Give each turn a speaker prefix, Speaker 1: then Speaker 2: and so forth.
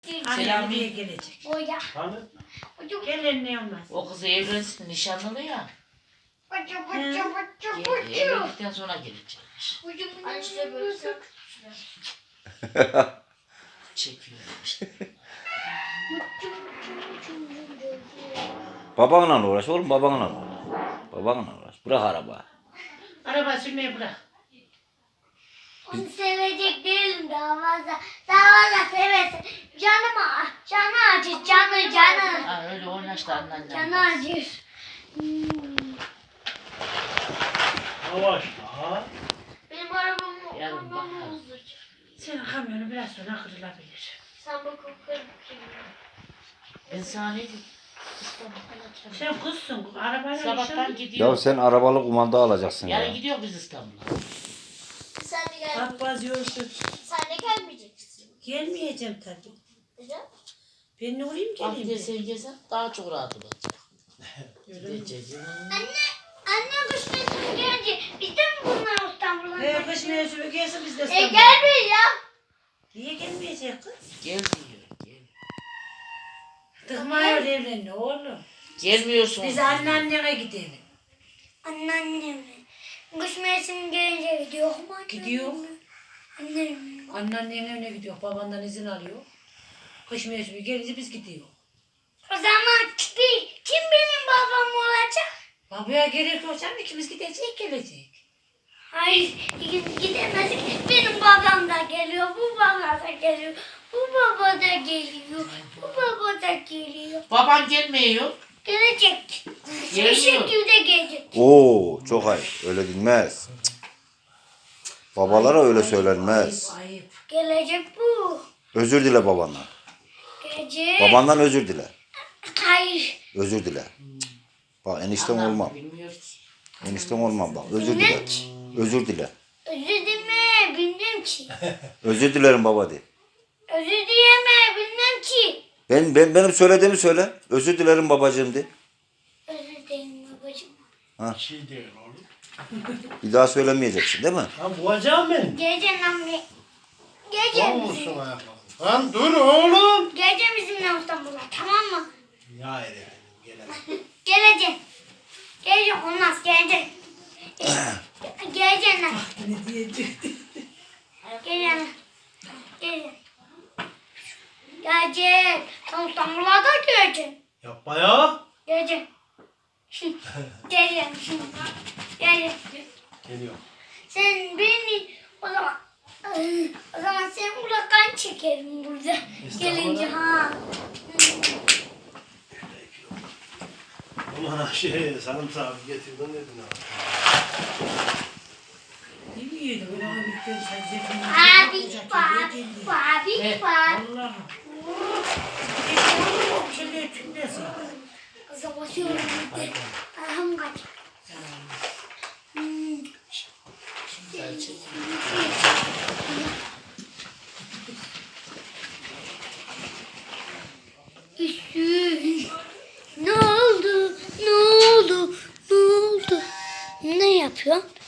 Speaker 1: Anne buraya gelecek.
Speaker 2: Boya.
Speaker 3: Hani?
Speaker 1: Gelin ne olmaz.
Speaker 4: O kızı evlensin nişanlılı ya. Evlendikten sonra gelecekmiş.
Speaker 2: Anne böyle
Speaker 4: Çekiyor işte.
Speaker 5: Babanla uğraş oğlum, babanla uğraş. Babanla uğraş. Bırak araba.
Speaker 1: Araba sürmeyi bırak.
Speaker 2: Onu sevecek değilim daha fazla. Daha fazla seversin. Canı acır, canı.
Speaker 4: Ha öyle oynaştı anneannem.
Speaker 2: Canı acır.
Speaker 3: Yavaş daha.
Speaker 2: Benim arabamı
Speaker 4: Yarın
Speaker 2: ondan
Speaker 4: bakarız.
Speaker 2: bozduracak.
Speaker 1: Senin kamyonu biraz sonra kırılabilir.
Speaker 2: Sen bak okurum ki.
Speaker 4: Ben sana ne diyeyim? İstanbul'a açacağım.
Speaker 1: Sen kızsın. Arabayla
Speaker 4: Sabahtan
Speaker 1: nişan.
Speaker 4: gidiyor.
Speaker 5: Ya sen arabalı kumanda alacaksın ya.
Speaker 4: Yarın gidiyor biz İstanbul'a.
Speaker 2: Sen de gel.
Speaker 1: Abbas yorsun.
Speaker 2: Sen de gelmeyeceksin.
Speaker 1: Gelmeyeceğim tabii.
Speaker 2: Neden?
Speaker 1: Ben ne olayım
Speaker 4: Bak
Speaker 1: geleyim
Speaker 4: bir
Speaker 1: de.
Speaker 4: sen gelsen daha çok rahat olacak. Gideceğiz.
Speaker 2: Anne kış mevsimi gelince biz de mi bunlar İstanbul'a?
Speaker 1: Kış mevsimi gelsin biz de
Speaker 2: Gel
Speaker 1: İstanbul'a.
Speaker 2: bir ya.
Speaker 1: Niye gelmeyecek kız?
Speaker 4: Gel diyor. Gel.
Speaker 1: Tıkmıyor evlendi oğlum.
Speaker 4: Gelmiyorsun.
Speaker 1: Biz anneannene gidelim.
Speaker 2: Anneannem. Kış mevsimi gelince gidiyor mu annem?
Speaker 1: Gidiyor.
Speaker 2: Annem.
Speaker 1: Anneannenin evine gidiyor. Babandan izin alıyor. Kış mevsimi gelince biz gidiyor.
Speaker 2: O zaman kim benim babam olacak?
Speaker 1: Babaya gerek yok canım. İkimiz gidecek gelecek.
Speaker 2: Hayır, gidemez. Benim babam da geliyor, bu baba da geliyor, bu baba da geliyor, bu baba da geliyor.
Speaker 4: Baban gelmiyor.
Speaker 2: Gelecek. Bir
Speaker 4: Geliyor.
Speaker 2: şekilde gelecek.
Speaker 5: Oo, çok ayıp. Öyle denmez. Cık. Babalara öyle söylenmez.
Speaker 1: Ayıp ayıp.
Speaker 2: Gelecek bu.
Speaker 5: Özür dile babandan.
Speaker 2: Gelecek.
Speaker 5: Babandan özür dile.
Speaker 2: Hayır.
Speaker 5: Özür dile. Cık. Bak enişten
Speaker 4: Anam
Speaker 5: olmam.
Speaker 4: bilmiyor ki.
Speaker 5: Enişten olmam bak. Özür dile. Özür dile.
Speaker 2: Özür dileme, bilmem ki.
Speaker 5: Özür dilerim baba de.
Speaker 2: Özür dileme, bilmem ki.
Speaker 5: Benim söylediğimi söyle. Özür dilerim babacığım de.
Speaker 2: Özür dilerim babacığım.
Speaker 3: Bir şey değil oğlum.
Speaker 5: Bir daha söylemeyeceksin değil mi?
Speaker 3: Lan boğacağım beni.
Speaker 2: Geleceksin anne. Geleceksin
Speaker 3: Olmuşsun
Speaker 2: bizimle.
Speaker 3: ayaklarım. Lan dur oğlum.
Speaker 2: Geleceksin bizimle İstanbul'a, tamam mı?
Speaker 3: Ya efendim gelemem.
Speaker 2: Geleceksin. Geleceksin, olmaz, geleceksin. Geleceksin lan.
Speaker 1: Ne diyecek?
Speaker 2: Geleceksin. Geleceksin. Geleceksin. Sen İstanbul'a da geleceksin.
Speaker 3: Yapma ya.
Speaker 2: Geleceksin. Geleceksin. Geleceksin.
Speaker 3: Geliyor.
Speaker 2: Sen beni o zaman sen burada kan çekerim burada. Gelince ha.
Speaker 3: Aman sarımsağı getirdin dedin ha.
Speaker 1: Ne diyeyim? Öyle bir kez sadece
Speaker 2: Abi.
Speaker 1: Allah'ım. Şöyle tümlesin.
Speaker 2: Kıza basıyorum bir de. Ahım kaç. Üstün. Ne oldu? Ne oldu? Ne oldu? Ne yapıyorsun?